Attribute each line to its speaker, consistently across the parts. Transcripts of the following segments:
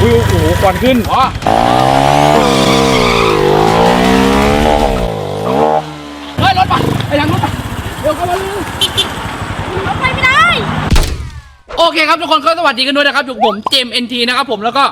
Speaker 1: อุ้ยโอ้โหควันขึ้นอ๋อเฮ้ยรถไปไอ้ยังรถไปเดี๋ยวเข้ามาเลย
Speaker 2: รถไปไม่ได้
Speaker 1: โอเคครับทุกคนก็สวัสดีกันด้วยนะครับอยู่ผมเจม NT นะครับผมแล้วก็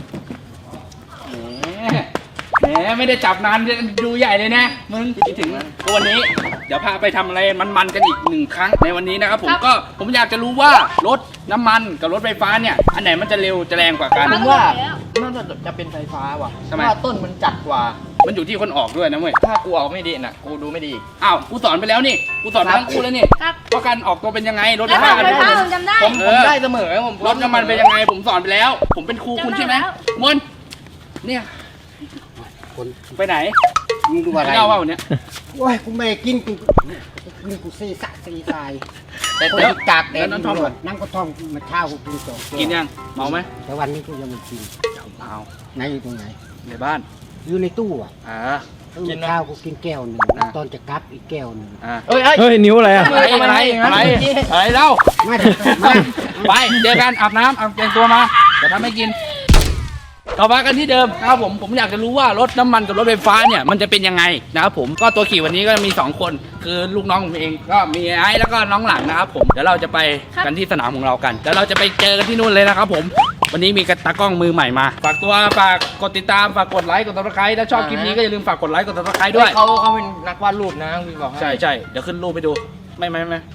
Speaker 1: แหมไม่ได้จับนานดูใหญ่เลยนะมึงคิดถึงวันนี้เดี๋ยวพาไปทำอะไรมันๆกันอีก1 ครั้งในวันนี้นะครับผมอยากจะรู้ว่ารถน้ำมันกับรถไฟฟ้าเนี่ยอันไหนมันจะเร็วจะแรงกว่ากัน
Speaker 3: ผมว่าน่าจะเป็นไฟฟ้าว่ะเพราะว่าต้นมันจัดกว่า
Speaker 1: มันอยู่ที่คนออกด้วยนะเว้ย
Speaker 3: ถ้ากูออกไม่ดีน่ะกูดูไม่ดี
Speaker 1: อ้าวกูสอนไปแล้วนี่กูสอนทั้งคู่แล้วนี่ว่าการออกตัวเป็นยังไงรถไฟฟ้า
Speaker 2: ผมจำได้
Speaker 3: ผมได้เสมอผม
Speaker 1: รถน้ำมันเป็นยังไงผมสอนไปแล้วผมเป็นครูคุณใช่ไหมมนเนี่ยไปไหน
Speaker 4: มึงดูอะไร
Speaker 1: เล่าว่าวันนี้
Speaker 4: โอ้ยกูไม่กินกูซีสะซีทราย
Speaker 3: แต่กากแต่
Speaker 4: นั่งท่อมนั่งก็ท่อมมาเช้ากูกินสอง
Speaker 1: กินยังเมาไหม
Speaker 4: แต่วันนี้กูยังไม่กิน
Speaker 1: เมา
Speaker 4: ไหนอยู่ตรงไหน
Speaker 1: ในบ้าน
Speaker 4: อยู่ในตู้อ่ะ
Speaker 1: กิน
Speaker 4: ข้าวกูกินแก้วหนึ่งตอนจะกลับอีกแก้วหนึ่ง
Speaker 1: เฮ้ยนิ้วอะไรอะอะไรเล่าไปเจอกันอาบน้ำเอาแต่งตัวมาจะทำให้กินต่อมากันที่เดิมนะครับผมอยากจะรู้ว่ารถน้ำมันกับรถไฟฟ้าเนี่ยมันจะเป็นยังไงนะครับผมก็ตัวขี่วันนี้ก็มี2 คนคือลูกน้องผมเองก็มีไอ้แล้วก็น้องหลังนะครับผมเดี๋ยวเราจะไปกันที่สนามของเรากันเดี๋ยวเราจะไปเจอกันที่นู่นเลยนะครับผมวันนี้มีตากล้องมือใหม่มาฝากกดติดตามฝากกดไลค์กดซับสไครต์ถ้าชอบคลิปนี้ก็อย่าลืมฝากกดไลค์กดซับสไครต์ด้วย
Speaker 3: เขาเป็นนักวาดรูปนะพี่บอก
Speaker 1: ใช่เดี๋ยวขึ้นรูปไปดูไม่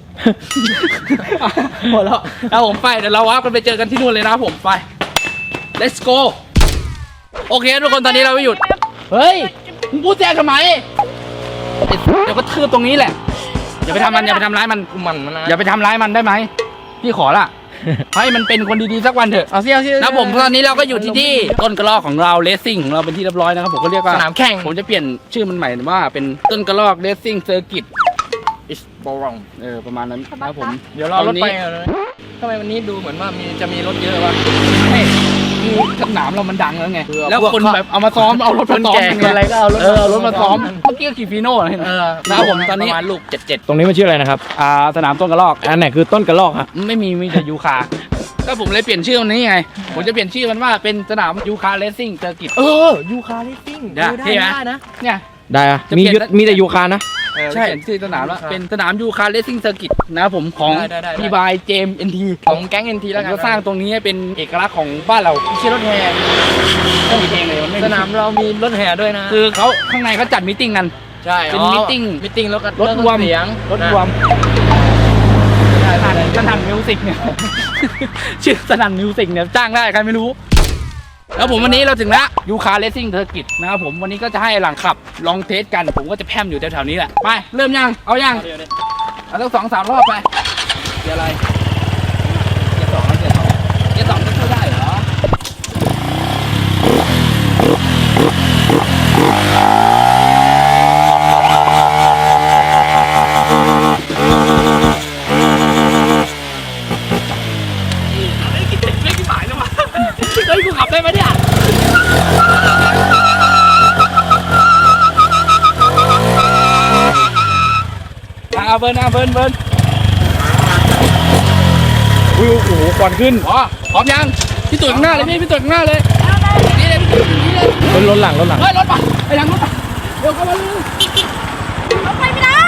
Speaker 1: หมดแล้วผมไปเดี๋ยวเราวาร์ปกันไปเจอกันที่นู่นเลยนะครับผมไป let's goโอเคทุกคนตอนนี้เราไม่หยุดเฮ้ยมึงพูดแจ้งทำไมเดี๋ยวก็ทืบตรงนี้แหละอย่าไปทำมันอย่าไปทำร้ายมันอย่าไปทำร้ายมันได้ไหมพี่ขอละให้มันเป็นคนดีๆสักวันเถอะ
Speaker 3: เอาสิ
Speaker 1: นะผมตอนนี้เราก็อยู่ที่ต้นกระรอกของเราเลสซิ่งของเราเป็นที่เรียบร้อยนะครับผมก็เรียกว่า
Speaker 3: สนามแข่ง
Speaker 1: ผมจะเปลี่ยนชื่อมันใหม่ว่าเป็นต้นกระรอกเลสซิ่งเซอร์กิตประมาณนั้นนะครับผม
Speaker 3: เดี๋ยวรอรถไปเลยทำไมวันนี้ดูเหมือนว่าจะมีรถเยอะวะ
Speaker 1: สนามเรามันดังแล้วไงแล้วคนแบบเอามาซ้อมเอารถมาซ้อม
Speaker 3: อะไรก็เอา
Speaker 1: รถมาซ้อมเมื่อกี้ขี่ฟีโน่เห็นไหมนะครับผมตอนนี้
Speaker 3: ประมาณลูก77
Speaker 1: ตรงนี้มันชื่ออะไรนะครับสนามต้นกระรอกอันไหนคือต้นกระรอกครับไม่มีแต่ยูคาก็ผมเลยเปลี่ยนชื่อมันนี้ไงผมจะเปลี่ยนชื่อมันว่าเป็นสนามยูคาเรซซิ่งเซอร์กิต
Speaker 3: ยูคาเรซซิ่ง
Speaker 1: ได้นะเนี่ย
Speaker 5: ได้อะมีแต่ยูคานะ
Speaker 1: ใช่ชื่อสนามแล้วเป็นสนามยูคาเรซซิ่งเซอร์กิตนะครับผมของพี่บายเจม NT
Speaker 3: ของแก๊ง NT แล้วกัน
Speaker 1: ก็สร้างตรงนี้ให้เป็นเอกลักษณ์ของบ้านเรา
Speaker 3: ไม่ใช่รถแห่
Speaker 1: ก็มีเองเลย
Speaker 3: สนามเรามีรถแห่ด้วยนะ
Speaker 1: คือเขาข้างในเขาจัดมิทติ้งกัน
Speaker 3: ใช่
Speaker 1: เป็นมิทติ้ง
Speaker 3: รถรวมเสียง
Speaker 1: รถรวมสนั่นมิวสิกเนี่ยชื่อสนั่นมิวสิกเนี่ยจ้างได้ใครไม่รู้แล้วผมวันนี้เราถึงแล้วยูคาเรซซิ่งเซอร์กิตนะครับผมวันนี้ก็จะให้หลังขับลองเทสกันผมก็จะแพร่มอยู่แถวๆนี้แหละไปเริ่มยังเอายังเอาสัก2-3 รอบไปเดี๋ยวอะไรเดี๋ยว2ก็เข้าได้เหรอเฮ้ยกูขับได้ไหมเนี่ยเบิร์นอุ้ยโอ้โหควันขึ้นพร้อมยังพี่ตุ๋ยข้างหน้าเลยพี่ตุ๋ยข้างหน้าเลยนี่เลยนี่เลย
Speaker 5: รถหลัง
Speaker 1: เฮ้ยรถไปไอ้ยังรถไปเดี๋ยวเข้ามาเลย
Speaker 2: รถไปไม่ได้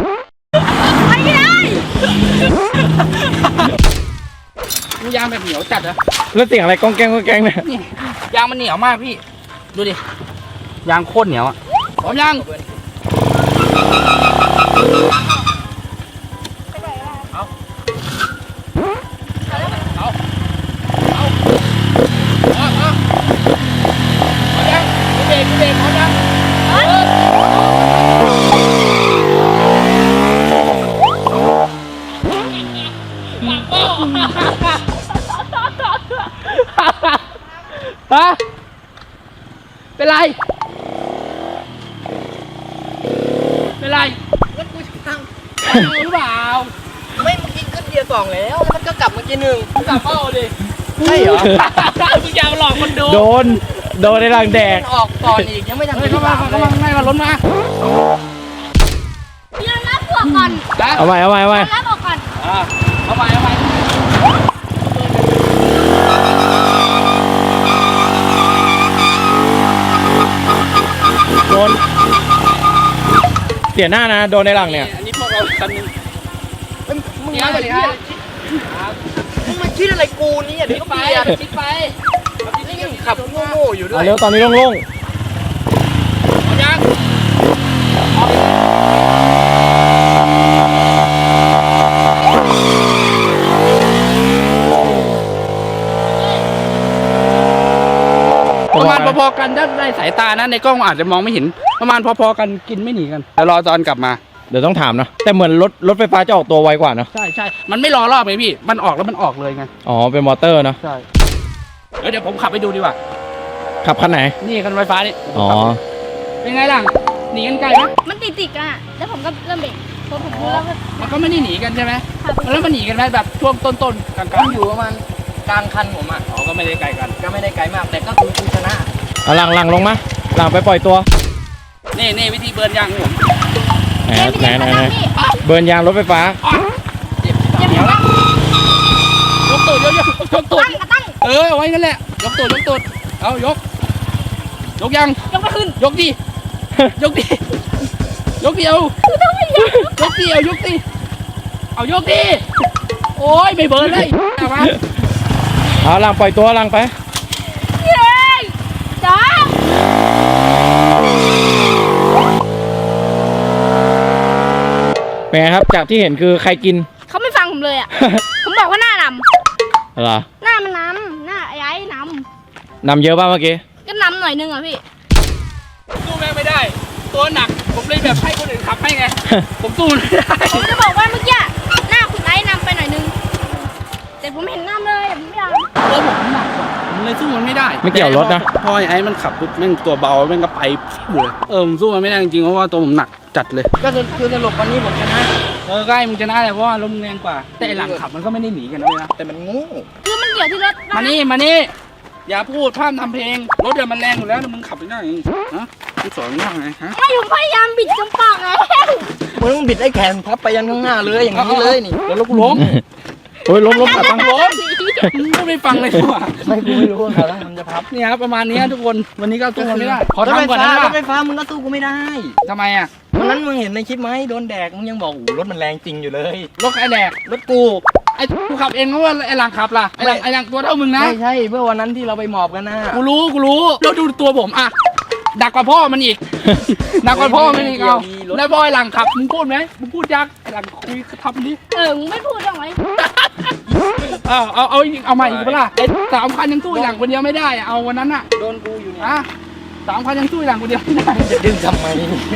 Speaker 1: ยางแบบเหนียวจัดอะ
Speaker 5: แล้วเสียงอะไรก้องแกงเนี่ย
Speaker 1: ยางมันเหนียวมากพี่ดูดิยางโคตรเหนียวอะพร้อมยังเบรกพร้อมยังฮะเป็นไร
Speaker 3: รถกูตั้ง
Speaker 1: หรือเปล่า
Speaker 3: ไม่เมื่อกี้ขึ้นเกียร์2แล้วมันก็กลับเมื่อกี้1
Speaker 1: กลับเป้าดิ
Speaker 3: ใช่เหรอ
Speaker 1: มึงอย่าหลอกคนดู
Speaker 5: โดนในหลังแดก
Speaker 3: ออกก่อนอีกยังไม่ทำ
Speaker 1: เข้ามาให้มาล้นมา
Speaker 2: เดี๋ยวรับหัวก่อน
Speaker 5: เอาไป
Speaker 2: รับออกก่อน
Speaker 1: เอาไป
Speaker 5: นเสียหน้านะโดนในหลังเนี่ย
Speaker 1: อันนี้พวกเราคันนึง
Speaker 3: มึง
Speaker 1: เนี่ย
Speaker 3: มา
Speaker 1: สวัสดีครับ
Speaker 3: มึงมาคิดอะไรกูนี่อย่า
Speaker 1: คิ
Speaker 3: ดิ้
Speaker 1: ด
Speaker 3: น
Speaker 1: ไป
Speaker 3: ไป
Speaker 1: คิดไป
Speaker 3: นี่ยังขับโง่ๆอยู่ด้ว
Speaker 5: เอา
Speaker 3: ย
Speaker 5: เร็วตอนนี้โล่ง
Speaker 1: เอายังประมาณพอๆกันถ้าได้สายตานะในกล้องอาจจะมองไม่เห็นประมาณพอๆกันกินไม่หนีกันแต่รอตอนกลับมา
Speaker 5: เดี๋ยวต้องถามนะแต่เหมือนรถไฟฟ้าจะออกตัวไวกว่านะ
Speaker 1: ใช่ใช่มันไม่รอรอบไงพี่มันออกแล้วมันออกเลยไง
Speaker 5: อ๋อเป็นมอเตอร์นะ
Speaker 1: ใช่เดี๋ยวผมขับไปดูดีกว่า
Speaker 5: ขับคันไหน
Speaker 1: นี่คันไฟฟ้านี่
Speaker 5: อ๋อ
Speaker 1: เป็นไงล่ะหนีกันไกลไหม
Speaker 2: มันติดๆกันอ่ะ แล้วผมก็เริ่มเบรกพอผมรู้แล้วก็
Speaker 1: มันก็ไม่ได้หนีกันใช่ไหม
Speaker 2: ขับไป
Speaker 1: แล้วมันหนีกันไหมแบบช่วงต้นๆกลาง
Speaker 3: มึงอยู่ประมาณกลางคันผมอ่ะ
Speaker 1: ๆอ๋อก็ไม่ได้ไกลกัน
Speaker 3: ก็ไม่ได้ไกลมากแต่ก็คือกูชนะ
Speaker 5: เอาหลังลงมาหลังไปปล่อยตัว
Speaker 1: นี่วิธีเบิร์นยางของผม
Speaker 5: ไหนเบิร์นยางรถไฟฟ้า
Speaker 1: เดี๋ยวละยกตูดยกตูด
Speaker 2: ตั้ง
Speaker 1: เอาไว้งั้นแหละยกตูดเอายกยัง
Speaker 2: ยกไปขึ้น
Speaker 1: ยกดิยกดิยกดิเอายกดิเอายกดิโอ้ยไม่เบิร์นเลยเอามา
Speaker 5: เอาหลังปล่อยตัวหลังไป
Speaker 2: เย้จ้า
Speaker 5: เป็นไงครับจากที่เห็นคือใครกิน
Speaker 2: เขาไม่ฟังผมเลยอ่ะ ผมบอกว่าหน้าน
Speaker 5: เหรอ
Speaker 2: ำหน้ามันนำหน้าไอ้น
Speaker 5: นำเยอะป่ะเมื่อกี้
Speaker 2: ำก็นำหน่อยนึงอ่ะพี่
Speaker 1: สู้แม่งไม่ได้ ตัวหนักผมเลยแบบให้คนอื่นขับให้ไง ผมสู้มันไม่ได้
Speaker 2: ผมจะบอกว่าเมื่อกี้หน้าคุณไอ้นำไปหน่อยนึง แต่ผมเห็นนำเลยผมไม่ยอม
Speaker 1: ตัวผมหนักกว่าผมเลยสู้มันไม่ได้
Speaker 5: ไม่เกี่ยวรถนะ
Speaker 1: พอไอ้มันขับปุ๊บแม่งตัวเบาแม่งก็ไปฟิวเลยผมสู้มันไม่ได้จริงๆเพราะว่าตัวผมหนักจัดเลย
Speaker 3: ก็คือสรุปวันนี้ผมชนะ
Speaker 1: ใกล้มึงชนะเลยเพราะว่าลมแรงกว่า แต่ไอ้หลังขับมันก็ไม่ได้หนีกันนะเว้ยนะ
Speaker 3: แต่มันโง่
Speaker 2: คือมันเกี่ยวที่รถนะ
Speaker 1: มานี่อย่าพูดพร่ำทำเพลงรถเดี๋ยวมันแรงอยู่แล้วนะมึงขับไปได้ยังไงฮะมึงสอนมึงว่าไงฮะ
Speaker 2: ไม่ผมพยายามบิดจมปากแล้ว
Speaker 3: มึงต้องบิดไอ้แขนพับไปยันข้างหน้าเลยอย่างนี้เลยนี่
Speaker 1: เดี๋ยวรถกูล้ม
Speaker 5: โอ้ยล้มขับตั้ง
Speaker 1: ล้มมึงไม่ฟังเลยว่ะ
Speaker 3: ไม่กูไม่รู้ว่าเขาทำจะพับ
Speaker 1: เนี่ยครับประมาณนี้ทุกคนวันนี้ก็สู้มันไม่ได้ขอ
Speaker 3: รถไฟ
Speaker 1: ทำก่อน
Speaker 3: ฟ้า
Speaker 1: นะ
Speaker 3: รถไฟฟ้ามึงก็สู้กูไม่ได้
Speaker 1: ทำไมอ่ะ
Speaker 3: วันนั้นมึงเห็นในคลิปไหมโดนแดกมึงยังบอกโอ้โหรถมันแรงจริงอยู่เลย
Speaker 1: รถใครแดก
Speaker 3: รถกู
Speaker 1: ไอ้กูขับเองเพราะว่าไอ้หลังขับล่ะไอ้หลังตัวเท่ามึงนะ
Speaker 3: ไม่ใช่เมื่อวันนั้นที่เราไปหมอบกันนะ
Speaker 1: กูรู้แล้วดูตัวผมอ่ะดักกว่าพ่อมันอีกดักกว่าพ่อมันอีกเอาแล้วพ่อไอ้หลังขับมึงพูดไหมมึงพูดยักไอ้หลังคุยทำดิ
Speaker 2: มึงไม่พูดหรอกไหม
Speaker 1: เอาอีกเอาใหม่อีกเปล่าไอ้3,000ยังสู้ไอ้หลังคนเดียวไม่ได้อะเอาวันนั้นอ่ะ
Speaker 3: โดนกูอยู่เนี่ย
Speaker 1: อ่ะ3,000ยังสู้ไอ้หลังคนเดียวไม่ได้
Speaker 3: จะดึงทำไม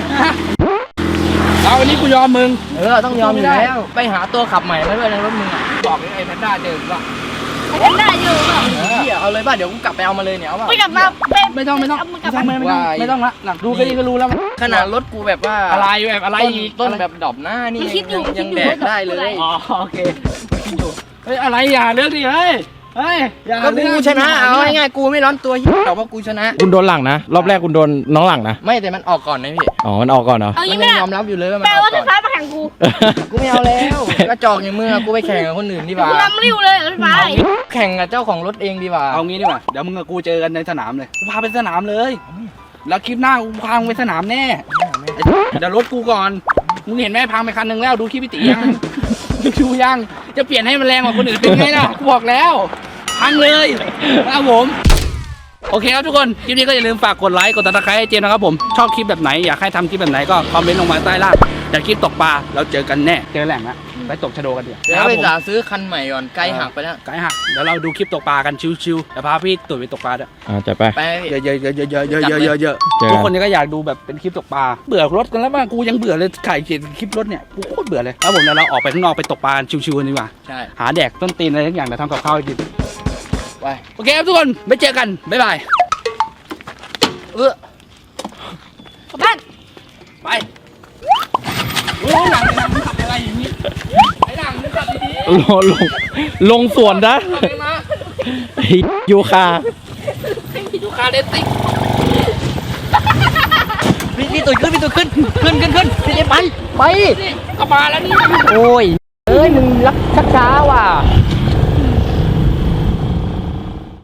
Speaker 1: เอาวันนี้กูยอมมึง
Speaker 3: ต้องยอมอยู่แล้วไปหาตัวขับใหม่มาด้วยในรถมึงอ่ะ
Speaker 1: บอกไอ้แพนด้าเจอป่ะ
Speaker 2: ไอ้ทำได้อยู่เปล่า
Speaker 3: เอาเลยป่ะเดี๋ยวกูกลับไปเอามาเลยเนี่ยเอาป่ะ
Speaker 2: ไม่กลับมาเป็น
Speaker 1: ไม่ต้อง
Speaker 2: เอามึงกลับมา
Speaker 1: ไม่ต้องละหลังดูแค่นี้ก็รู้แล้ว
Speaker 3: ขนาดรถกูแบบว่า
Speaker 1: อะไรแบบอะไร
Speaker 3: ต้น
Speaker 1: อีก
Speaker 3: ต้นแบบดอบหน้านี่ยังแดกได้เลย
Speaker 1: อ๋อโอเคเฮ้ยอะไรอย่าเลือกดิเฮ้ยอย่า
Speaker 3: ก็กูชนะเอาง่ายๆกูไม่ร้อนตัวแต่ว่ากูชนะ
Speaker 5: คุณโดนหลังนะรอบแรกคุณโดนน้องหลังนะ
Speaker 3: ไม่แต่มันออกก่อนนะพี่
Speaker 5: อ๋อมันออกก่อนเหรอ
Speaker 2: เอา
Speaker 3: มั
Speaker 2: งี้
Speaker 3: น
Speaker 2: ไม่
Speaker 3: ยัง
Speaker 2: ได้
Speaker 3: ยอมรับอยู่เลยว่ามัน
Speaker 2: แปล
Speaker 3: ออก
Speaker 2: ว่าไฟ
Speaker 3: ก่อน
Speaker 2: ฟ้ามาแข่งกู
Speaker 3: กูไม่เอาแล้วกระจอกอย่างมึงอะกูไปแข่งกับคนอื่นดีกว่า
Speaker 2: กูนำริ้วเลยรถไฟ
Speaker 3: แข่งกับเจ้าของรถเองดีกว่า
Speaker 1: เอางี้ดีกว่าเดี๋ยวมึงกับกูเจอกันในสนามเลยกูพาไปสนามเลย แล้วคลิปหน้ากูพามึงไปสนามแน่เดี๋ยวรถกูก่อนมึงเห็นไหมพังไปคันหนึ่งแล้วดูคลิปพี่ตียังดูยังจะเปลี่ยนให้มันแรงกว่าคนอื่นเป็นไงล่ะกูบอกแล้วพังเลยครับผมโอเคครับทุกคนคลิปนี้ก็อย่าลืมฝากกดไลค์กดติดตามให้เจมนะครับผมชอบคลิปแบบไหนอยากให้ทำคลิปแบบไหนก็คอมเมนต์ลงมาใต้ล่างอยากคลิปตกปลาเราเจอกันแน่เจอแหล่งนะไปตกชะโดกันเดี๋ยว
Speaker 3: เดี๋ยวไปจ่าซื้อคันใหม่ก่อนไกลหักไปแล้ว
Speaker 1: ไกด์หักเดี๋ยวเราดูคลิปตกปลากันชิวๆเดี๋ยวพาพี่ตุ๋ยไปตกปลาด้วย
Speaker 5: จะไป
Speaker 3: ไป
Speaker 1: เยอะๆๆๆๆๆ
Speaker 5: เจอกัน
Speaker 1: ทุกคนก็อยากดูแบบเป็นคลิปตกปลาเบื่อรถกันแล้วบ้างกูยังเบื่อเลยถ่ายคลิปรถเนี่ยกูโคตรเบื่อเลยแล้วผมเดี๋ยวเราออกไปข้างนอกไปตกปลาชิวๆกันดีกว่า
Speaker 3: ใช่
Speaker 1: หาแดกต้นตีนอะไรทุกอย่างเดี๋ยวทำกับข้าวให้กิน
Speaker 3: ไป
Speaker 1: โอเคครับทุกคนไปเจอกันบ๊ายบาย
Speaker 2: กลับบ้าน
Speaker 1: ไปโอ้ยหลังมึงทำอะไรอย่างนี้ไอ้หลังมึงจับดี
Speaker 5: ลงสวนนะ
Speaker 1: ๆเอาไปมา
Speaker 5: ยูคา
Speaker 1: ดูคาเดนติก
Speaker 3: พี่ตุ๋ยขึ้นพี่จะไป
Speaker 1: นี่ก็มาแล้วนี่
Speaker 3: โอ้ยมึงรักช้าว่ะ